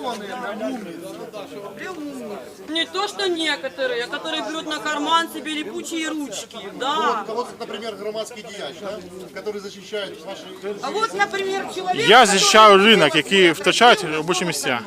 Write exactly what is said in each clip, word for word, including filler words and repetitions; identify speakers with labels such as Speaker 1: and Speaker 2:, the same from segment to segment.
Speaker 1: Не то, что некоторые, а которые берут на карман себе липучие ручки, да.
Speaker 2: Вот, например, громадский дияч, да, который защищает ваши...
Speaker 1: А вот, например, человек,
Speaker 3: Я захищаю ринок, який втрачають робочі місця.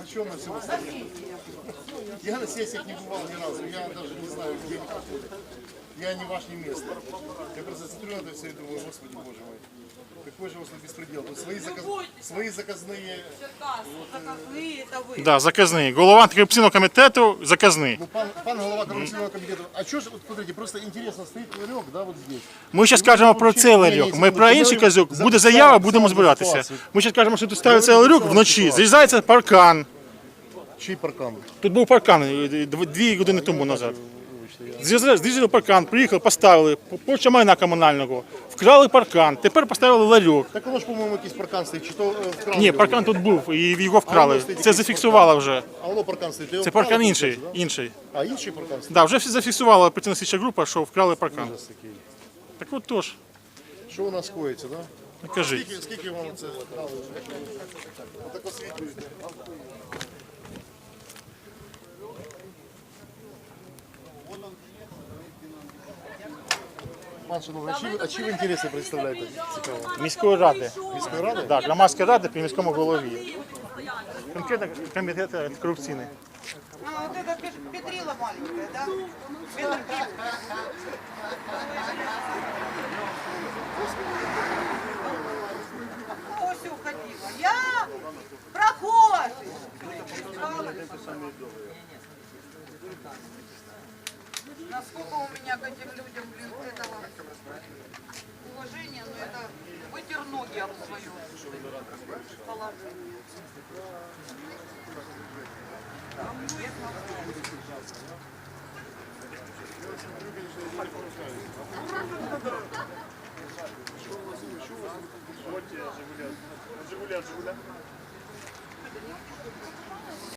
Speaker 2: Я на сессиях не бывал ни разу, я даже не знаю, где они проходят. Я не ваш, не место. Я просто смотрю на это все и думаю, господи, боже мой, какой же у вас тут беспредел. Тут свои, заказ... свои заказные...
Speaker 1: заказные, это вы.
Speaker 3: Да, заказний. Голова антикорупційного комітету заказний.
Speaker 2: Ну, пан, пан глава коррупционного комитета, а что же, вот смотрите, просто интересно, стоит ларек, да, вот здесь.
Speaker 3: Ми зараз кажемо про цей ларьок. Ми про інший казюк. Буде заява, будемо збиратися. Ми зараз кажемо, що тут ставиться ларьок вночі, зрізається паркан.
Speaker 2: Чий паркан?
Speaker 3: Тут був паркан е, дв- дві години тому назад. Зрізали зрізали паркан, приїхали, поставили, поча майна комунального, вкрали паркан, тепер поставили ларьок.
Speaker 2: Так воно ж, по-моєму, якийсь паркан стоїть, чи то е, вкрали?
Speaker 3: Ні,
Speaker 2: його?
Speaker 3: паркан тут був і його вкрали. Це зафіксувало вже.
Speaker 2: А воно паркан стоїть. його
Speaker 3: Це
Speaker 2: вкрали,
Speaker 3: паркан інший.
Speaker 2: виходить, да?
Speaker 3: інший.
Speaker 2: А інший паркан стоїть?
Speaker 3: Да, вже всі зафіксувала оперативна слідча група, що вкрали паркан.
Speaker 2: Ужас такий.
Speaker 3: Так от тож,
Speaker 2: Що у нас коїться, да?
Speaker 3: кажіть.
Speaker 2: Скільки, скільки вам це вкрали? Отак освітлюєте. Пан Шановний, а чи ви, а чи ви інтереси представляєте? Цікаво.
Speaker 3: Міської ради.
Speaker 2: Міської ради?
Speaker 3: Да, громадська рада при міському голові. Конкретно комітет антикорупційний.
Speaker 4: А, вот это Пет- Петрила маленькая, да? Петр Пет- Ось уходила. Я прохожий. Насколько у меня к этим людям, блин, этого уважения, но это вытер ноги об свое положение.
Speaker 2: Жигуля, Жигуля.